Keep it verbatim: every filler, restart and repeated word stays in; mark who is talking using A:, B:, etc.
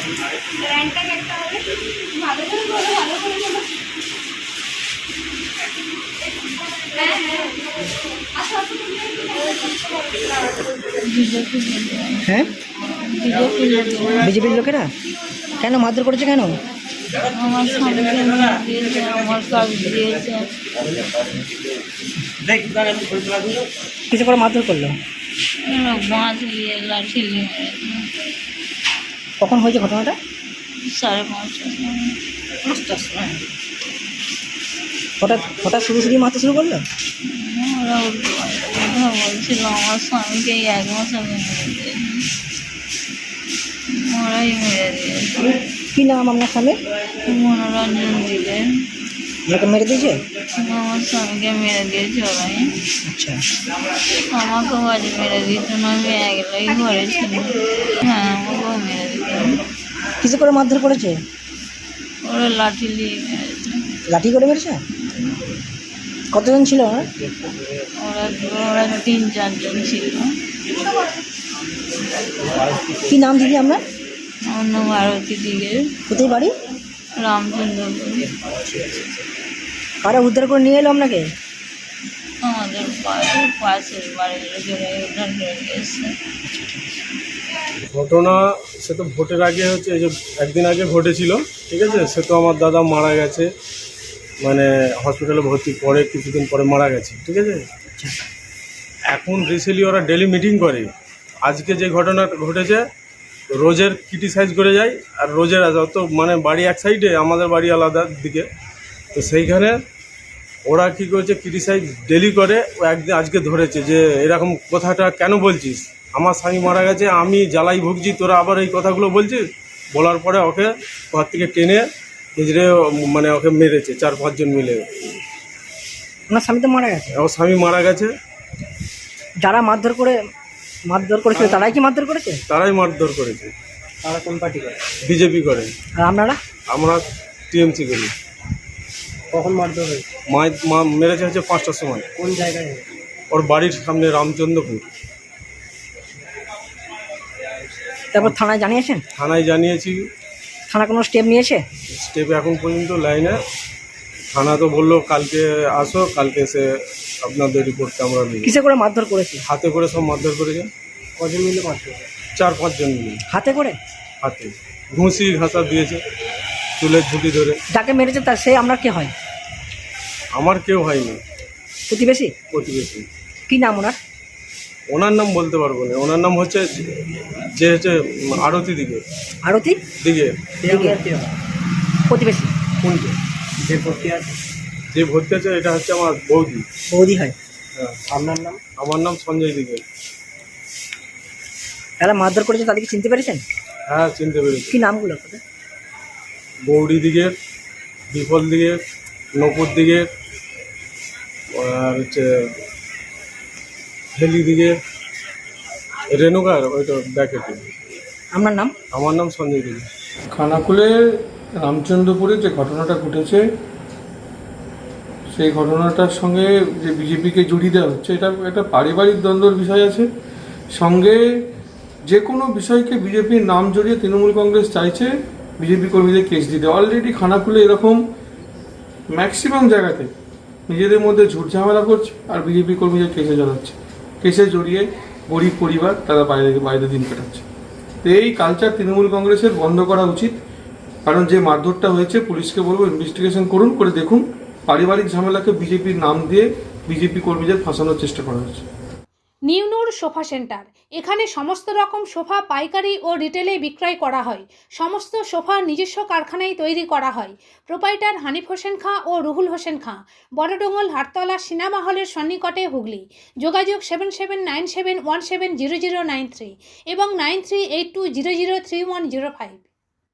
A: র্যাঙ্কটা একটা হবে ভালো করে বলো, ভালো করে বলো। হ্যাঁ হ্যাঁ আচ্ছা
B: হ্যাঁ, বিজেপির লোকেরা কেন মারধর করেছে? কেন?
C: আমার স্বামীকে দিয়েছে, আমার কাজ দিয়েছে।
B: কিছু করে মারধর করলো?
C: বাঁশ দিয়ে লাঠি দিয়ে মেরেছে।
B: কখন হয়েছে ঘটনাটা?
C: সাড়ে পাঁচটার সময়।
B: পাঁচটার সময় হঠাৎ হঠাৎ শুরু শুরু মারতে শুরু করলো?
C: ওরা উল্টো পাল্টা কথা বলছিল, আমার স্বামীকে এই এক মাস আগে মেরে দিয়েছে। ওরাই মেরে দিয়েছে।
B: কি নাম আপনার স্বামী?
C: মনোরঞ্জন দিলে
B: আপনাকে মেরে দিয়েছে?
C: আমার স্বামীকে মেরে দিয়েছে ওরাই।
B: আচ্ছা,
C: আমাকেও আজ মেরে দিত না, আমি একলাই ঘরে ছিল। হ্যাঁ, আমাকেও মেরে দিত।
B: কিছু করে মারধর করেছে?
C: ওরা লাঠি দিয়ে মেরেছে।
B: লাঠি করে মেরেছে? কতজন ছিল ওরা?
C: ওরা ওরা তিন চারজন ছিল।
B: কি নাম দিদি আপনার?
C: অন্য ভারতী দিকে
B: কোথায় বাড়ি?
C: রামচন্দ্রপুর।
B: কারা উদ্ধার করে নিয়ে এলো আপনাকে?
C: আমাদের পাশের পাশের বাড়ির লোকেরা উদ্ধার করে গেছে।
D: ঘটনা সে তো ভোটের আগে হচ্ছে, এই যে একদিন আগে ঘটেছিল, ঠিক আছে। সে তো আমার দাদা মারা গেছে, মানে হসপিটালে ভর্তি, পরে কিছুদিন পরে মারা গেছে, ঠিক আছে। এখন রিসেন্টলি ওরা ডেলি মিটিং করে। আজকে যে ঘটনাটা ঘটেছে, রোজের ক্রিটিসাইজ করে যায়, আর রোজের যত মানে বাড়ি এক সাইডে, আমাদের বাড়ি আলাদা দিকে, তো সেইখানে ওরা কী করেছে, ক্রিটিসাইজ ডেলি করে। ও একদিন আজকে ধরেছে যে এরকম কথাটা কেন বলছিস, আমার স্বামী মারা গেছে, আমি জ্বালাই ভুগছি, তোরা আবার এই কথাগুলো বলছিস। বলার পরে ওকে ঘর থেকে টেনে নিজেরে মানে ওকে মেরেছে, চার পাঁচজন মিলে।
B: আপনার স্বামী তো মারা গেছে?
D: ওর স্বামী মারা গেছে।
B: যারা মারধর করে মারধর করেছিল তারাই কি মারধর করেছে?
D: তারাই মারধর করেছে।
B: তারা কোন পার্টি করে?
D: বিজেপি করে।
B: আর আপনারা?
D: আমরা টিএমসি করি।
B: কখন মারধর হয়েছে?
D: মা মা মেরেছে হচ্ছে পাঁচটার সময়।
B: কোন জায়গায়?
D: ওর বাড়ির সামনে রামচন্দ্রপুর।
B: তারপর থানায় জানিয়েছেন?
D: থানায় জানিয়েছি।
B: থানা কোনো স্টেপ নিয়েছে?
D: স্টেপ এখন পর্যন্ত লাইনে। থানা তো বললো কালকে আসো, কালকে এসে আপনাদের রিপোর্টটা আমরা নিই।
B: কিসে করে মারধর করেছে?
D: হাতে করে সব মারধর করেছে।
B: কজন মিলে মারধর?
D: চার পাঁচজন মিলে।
B: হাতে করে?
D: হাতে ঘুষি ঘাসা দিয়েছে, চুলের ঝুঁটি ধরে।
B: যাকে মেরেছে তার সে আপনার কে হয়?
D: আমার কেউ হয়নি,
B: প্রতিবেশী?
D: প্রতিবেশী।
B: কি নাম ওনার?
D: ওনার নাম বলতে পারবো না। ওনার নাম হচ্ছে যে হচ্ছে আরতি দিকে
B: আরতি
D: দিকে
B: প্রতিবেশী।
D: কোনটা?
B: যে ভর্তি আছে?
D: যে ভর্তি আছে এটা হচ্ছে আমার বৌদি।
B: বৌদি হয়?
D: হ্যাঁ।
B: আপনার নাম?
D: আমার নাম সঞ্জয় দিকে।
B: যারা মারধর করেছে তাদেরকে চিনতে পেরেছেন?
D: হ্যাঁ, চিনতে পেরেছি।
B: কি নামগুলো আপনাদের?
D: গৌরী দিকে, বিফল দিকে, নপুর দিকে, আর হচ্ছে হেলি দিকে, রেণুকার ওইটা ব্যাকেটে।
B: আপনার নাম?
D: আমার নাম সঞ্জয় দিকে।
E: খানাকুলে রামচন্দ্রপুরে যে ঘটনাটা ঘটেছে, সেই ঘটনাটার সঙ্গে যে বিজেপিকে জড়িয়ে দেওয়া হচ্ছে, এটা একটা পারিবারিক দ্বন্দ্বের বিষয় আছে। সঙ্গে যে কোনো বিষয়কে বিজেপির নাম জড়িয়ে তৃণমূল কংগ্রেস চাইছে বিজেপি কর্মীদের কেস দিতে। অলরেডি খানাকুলে এরকম ম্যাক্সিমাম জায়গাতে নিজেদের মধ্যে ঝুট ঝামেলা করছে আর বিজেপি কর্মীদের কেসে জড়াচ্ছে। কেসে জড়িয়ে গরিব পরিবার তারা বাইরে বাইরে দিন কাটাচ্ছে। তো এই কালচার তৃণমূল কংগ্রেসের বন্ধ করা উচিত। কারণ যে মারধরটা হয়েছে, পুলিশকে বলবো ইনভেস্টিগেশন করুন, করে দেখুন পারিবারিক ঝামেলাকে বিজেপির নাম দিয়ে বিজেপি কর্মীদের ফাঁসানোর চেষ্টা করা হচ্ছে।
F: নিউনুর সোফা সেন্টার, এখানে সমস্ত রকম সোফা পাইকারি ও রিটেলে বিক্রয় করা হয়। সমস্ত সোফা নিজস্ব কারখানায় তৈরি করা হয়। প্রোপাইটার হানিফ হোসেন খাঁ ও রুহুল হোসেন খাঁ, বড়ডোঙ্গল হাটতলা সিনেমা হলের সন্নিকটে, হুগলি। যোগাযোগ seven seven nine seven one seven zero zero nine three এবং nine three eight two zero zero three one zero five.